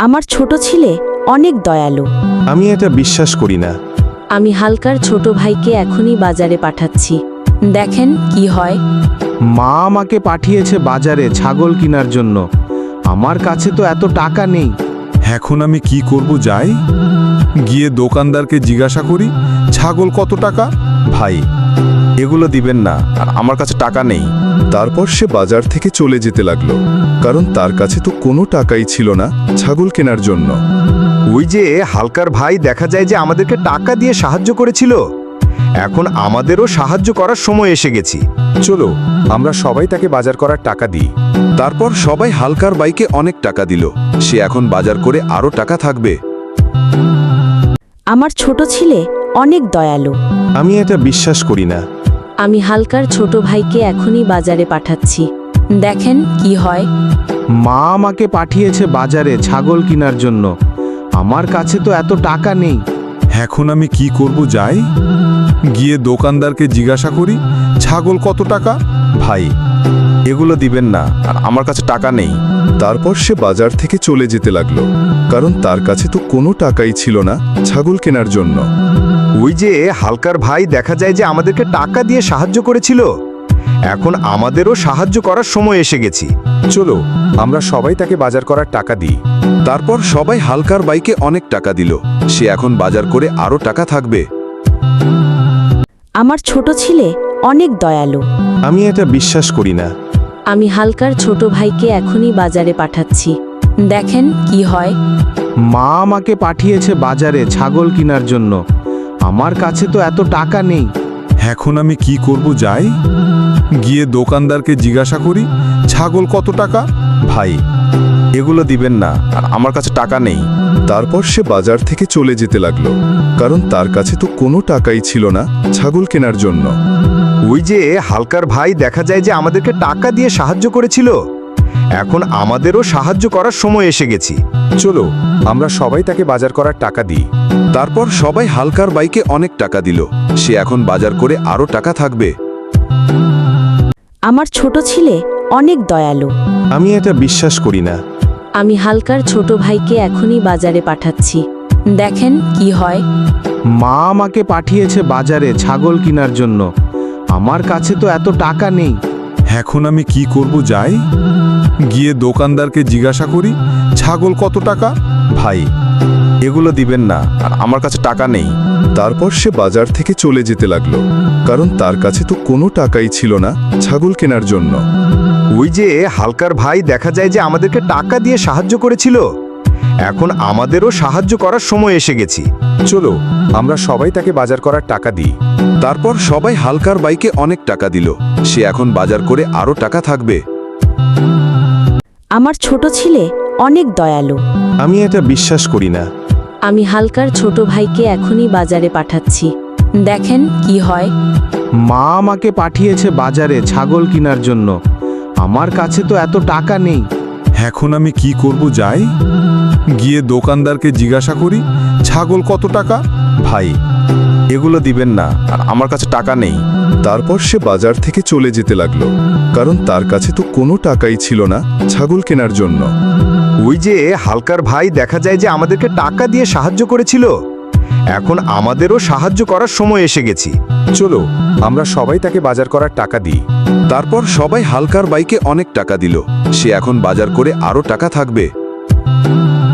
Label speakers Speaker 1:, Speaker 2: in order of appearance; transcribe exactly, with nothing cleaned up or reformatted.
Speaker 1: আমার ছোট ছেলে অনেক দয়ালু।
Speaker 2: আমি এটা বিশ্বাস করি না।
Speaker 1: আমি হালকার ছোট ভাইকে এখনই বাজারে পাঠাচ্ছি, দেখেন কি হয়।
Speaker 2: মা আমাকে পাঠিয়েছে বাজারে ছাগল কেনার জন্য। আমার কাছে তো এত টাকা নেই।
Speaker 3: এখন আমি কি করব? যাই গিয়ে দোকানদারকে জিজ্ঞাসা করি ছাগল কত টাকা।
Speaker 2: ভাই, এগুলো দিবেন না, আর আমার কাছে টাকা নেই।
Speaker 3: তারপর সে বাজার থেকে চলে যেতে লাগলো, কারণ তার কাছে তো কোনো টাকাই ছিল না ছাগল কেনার জন্য।
Speaker 2: ওই যে হালকার ভাই দেখা যায় যে আমাদেরকে টাকা দিয়ে সাহায্য করেছিল, এখন আমাদেরও সাহায্য করার সময় এসে গেছি।
Speaker 3: চলো আমরা সবাই তাকে বাজার করার টাকা দিই। তারপর সবাই হালকার বাইকে অনেক টাকা দিল। সে এখন বাজার করে আরো টাকা থাকবে।
Speaker 1: আমার ছোট ছেলে অনেক দয়ালু।
Speaker 2: আমি এটা বিশ্বাস করি না।
Speaker 1: আমি হালকার ছোট ভাইকে এখনই বাজারে পাঠাচ্ছি, দেখেন কি হয়।
Speaker 2: মা আমাকে পাঠিয়েছে বাজারে ছাগল কেনার জন্য। আমার কাছে তো এত টাকা নেই।
Speaker 3: এখন আমি কি করব? যাই গিয়ে দোকানদারকে জিজ্ঞাসা করি ছাগল কত টাকা।
Speaker 2: ভাই, এগুলো দিবেন না, আর আমার কাছে টাকা নেই।
Speaker 3: তারপর সে বাজার থেকে চলে যেতে লাগলো, কারণ তার কাছে তো কোনো টাকাই ছিল না ছাগল কেনার জন্য।
Speaker 2: ওই যে হালকার ভাই দেখা যায় যে আমাদেরকে টাকা দিয়ে সাহায্য করেছিল, এখন আমাদেরও সাহায্য করার সময় এসে গেছি।
Speaker 3: চলো আমরা সবাই তাকে বাজার করার টাকা দিই। তারপর সবাই হালকার বাইকে অনেক টাকা দিল। সে এখন বাজার করে আরো টাকা থাকবে।
Speaker 1: আমার ছোট ছেলে অনেক দয়ালু।
Speaker 2: আমি এটা বিশ্বাস করি না।
Speaker 1: আমি হালকার ছোট ভাইকে এখনই বাজারে পাঠাচ্ছি, দেখেন কি হয়।
Speaker 2: মা আমাকে পাঠিয়েছে বাজারে ছাগল কেনার জন্য। আমার কাছে তো এত টাকা নেই।
Speaker 3: এখন আমি কি করব? যাই গিয়ে দোকানদারকে জিজ্ঞাসা করি ছাগল কত টাকা।
Speaker 2: ভাই, এগুলো দিবেন না, আর আমার কাছে টাকা নেই।
Speaker 3: তারপর সে বাজার থেকে চলে যেতে লাগলো, কারণ তার কাছে তো কোনো টাকাই ছিল না ছাগল কেনার জন্য।
Speaker 2: ওই যে হালকার ভাই দেখা যায় যে আমাদেরকে টাকা দিয়ে সাহায্য করেছিল, এখন আমাদেরও সাহায্য করার সময় এসে গেছি।
Speaker 3: চলো আমরা সবাই তাকে বাজার করার টাকা দিই। তারপর সবাই হালকার বাইকে অনেক টাকা দিল। সে এখন বাজার করে আরো টাকা থাকবে।
Speaker 1: আমার ছোট ছেলে অনেক দয়ালু।
Speaker 2: আমি এটা বিশ্বাস করি না।
Speaker 1: আমি হালকার ছোট ভাইকে এখনই বাজারে পাঠাচ্ছি, দেখেন কি হয়।
Speaker 2: মা আমাকে পাঠিয়েছে বাজারে ছাগল কেনার জন্য। আমার কাছে তো এত টাকা নেই।
Speaker 3: এখন আমি কি করব? যাই গিয়ে দোকানদারকে জিজ্ঞাসা করি ছাগল কত টাকা।
Speaker 2: ভাই, এগুলো দিবেন না, আর আমার কাছে টাকা নেই।
Speaker 3: তারপর সে বাজার থেকে চলে যেতে লাগলো, কারণ তার কাছে তো কোনো টাকাই ছিল না ছাগল কেনার জন্য।
Speaker 2: ওই যে হালকার ভাই দেখা যায় যে আমাদেরকে টাকা দিয়ে সাহায্য করেছিল, এখন আমাদেরও সাহায্য করার সময় এসে গেছি।
Speaker 3: চলো আমরা সবাই তাকে বাজার করার টাকা দিই। তারপর সবাই হালকার বাইকে অনেক টাকা দিল। সে এখন বাজার করে আরো টাকা থাকবে।
Speaker 1: আমার ছোট ছেলে অনেক দয়ালু।
Speaker 2: আমি এটা বিশ্বাস করি না।
Speaker 1: আমি হালকার ছোট ভাইকে এখনই বাজারে পাঠাচ্ছি, দেখেন কি হয়।
Speaker 2: মা আমাকে পাঠিয়েছে বাজারে ছাগল কেনার জন্য। আমার কাছে তো এত টাকা নেই।
Speaker 3: এখন আমি কি করব? যাই গিয়ে দোকানদারকে জিজ্ঞাসা করি ছাগল কত টাকা।
Speaker 2: ভাই, এগুলো দিবেন না, আর আমার কাছে টাকা নেই।
Speaker 3: তারপর সে বাজার থেকে চলে যেতে লাগলো, কারণ তার কাছে তো কোনো টাকাই ছিল না ছাগল কেনার জন্য।
Speaker 2: ওই যে হালকার ভাই দেখা যায় যে আমাদেরকে টাকা দিয়ে সাহায্য করেছিল, এখন আমাদেরও সাহায্য করার সময় এসে গেছি।
Speaker 3: চলো আমরা সবাই তাকে বাজার করার টাকা দিই। তারপর সবাই হালকার বাইকে অনেক টাকা দিল। সে এখন বাজার করে আরো টাকা থাকবে।